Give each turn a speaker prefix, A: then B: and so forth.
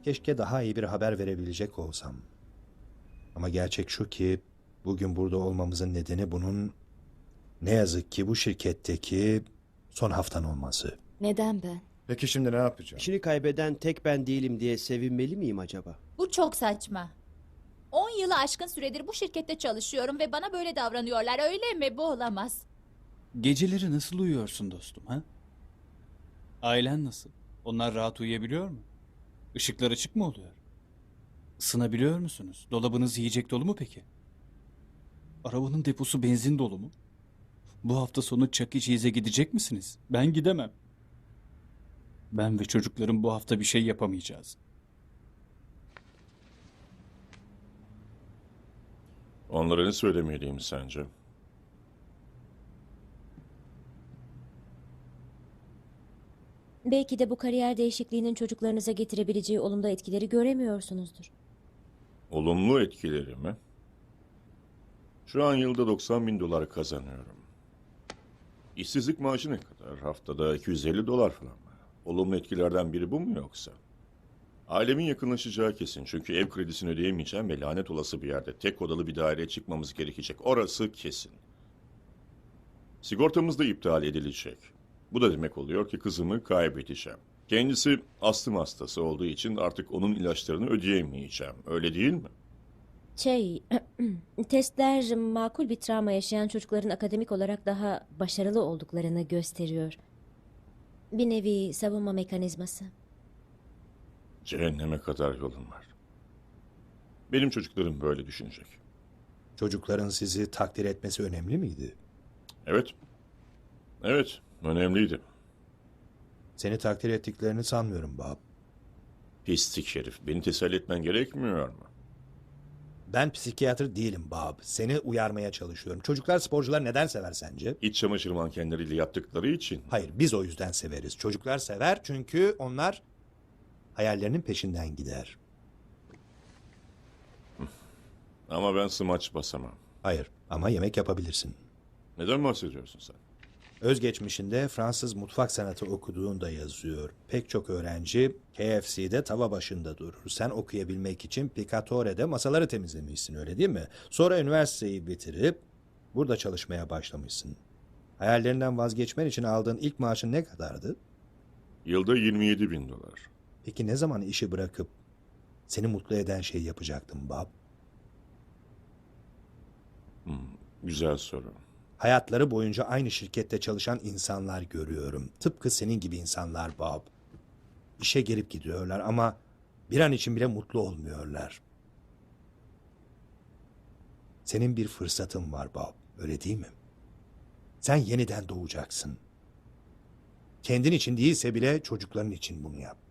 A: Keşke daha iyi bir haber verebilecek olsam. Ama gerçek şu ki bugün burada olmamızın nedeni bunun ne yazık ki bu şirketteki son haftan olması.
B: Neden ben?
C: Peki şimdi ne yapacağım?
D: İşini kaybeden tek ben değilim diye sevinmeli miyim acaba?
E: Bu çok saçma. 10 yılı aşkın süredir bu şirkette çalışıyorum ve bana böyle davranıyorlar, öyle mi? Bu olamaz.
F: Geceleri nasıl uyuyorsun dostum ha? Ailen nasıl? Onlar rahat uyuyabiliyor mu? Işıklar açık mı oluyor? Isınabiliyor musunuz? Dolabınız yiyecek dolu mu peki? Arabanın deposu benzin dolu mu? Bu hafta sonu Chuck E. Cheese'e gidecek misiniz? Ben gidemem. Ben ve çocuklarım bu hafta bir şey yapamayacağız.
C: Onlara ne söylemeliyim sence?
B: Belki de bu kariyer değişikliğinin çocuklarınıza getirebileceği olumlu etkileri göremiyorsunuzdur.
C: Olumlu etkileri mi? Şu an yılda 90 bin dolar kazanıyorum. İşsizlik maaşı ne kadar? Haftada 250 dolar falan mı? Olumlu etkilerden biri bu mu yoksa? Ailemin yakınlaşacağı kesin çünkü ev kredisini ödeyemeyeceğim ve lanet olası bir yerde tek odalı bir daireye çıkmamız gerekecek. Orası kesin. Sigortamız da iptal edilecek. Bu da demek oluyor ki kızımı kaybedeceğim. Kendisi astım hastası olduğu için artık onun ilaçlarını ödeyemeyeceğim. Öyle değil mi?
B: Testler makul bir travma yaşayan çocukların akademik olarak daha başarılı olduklarını gösteriyor. Bir nevi savunma mekanizması.
C: Cehenneme kadar yolun var. Benim çocuklarım böyle düşünecek.
A: Çocukların sizi takdir etmesi önemli miydi?
C: Evet. Evet, önemliydi.
A: Seni takdir ettiklerini sanmıyorum Bob.
C: Pislik herif. Beni teselli etmen gerekmiyor mu?
A: Ben psikiyatr değilim Bob. Seni uyarmaya çalışıyorum. Çocuklar sporcular neden sever sence?
C: İç çamaşır mankenleriyle yaptıkları için.
A: Hayır, biz o yüzden severiz. Çocuklar sever çünkü onlar hayallerinin peşinden gider.
C: Ama ben smaç basamam.
A: Hayır, ama yemek yapabilirsin.
C: Neden bahsediyorsun sen?
A: Özgeçmişinde Fransız mutfak sanatı okuduğunda yazıyor. Pek çok öğrenci KFC'de tava başında durur. Sen okuyabilmek için Picatore'de masaları temizlemişsin, öyle değil mi? Sonra üniversiteyi bitirip burada çalışmaya başlamışsın. Hayallerinden vazgeçmen için aldığın ilk maaşın ne kadardı?
C: Yılda 27 bin dolar.
A: Peki ne zaman işi bırakıp seni mutlu eden şeyi yapacaktın Bob?
C: Güzel soru.
A: Hayatları boyunca aynı şirkette çalışan insanlar görüyorum. Tıpkı senin gibi insanlar Bob. İşe gelip gidiyorlar ama bir an için bile mutlu olmuyorlar. Senin bir fırsatın var Bob, öyle değil mi? Sen yeniden doğacaksın. Kendin için değilse bile çocukların için bunu yap.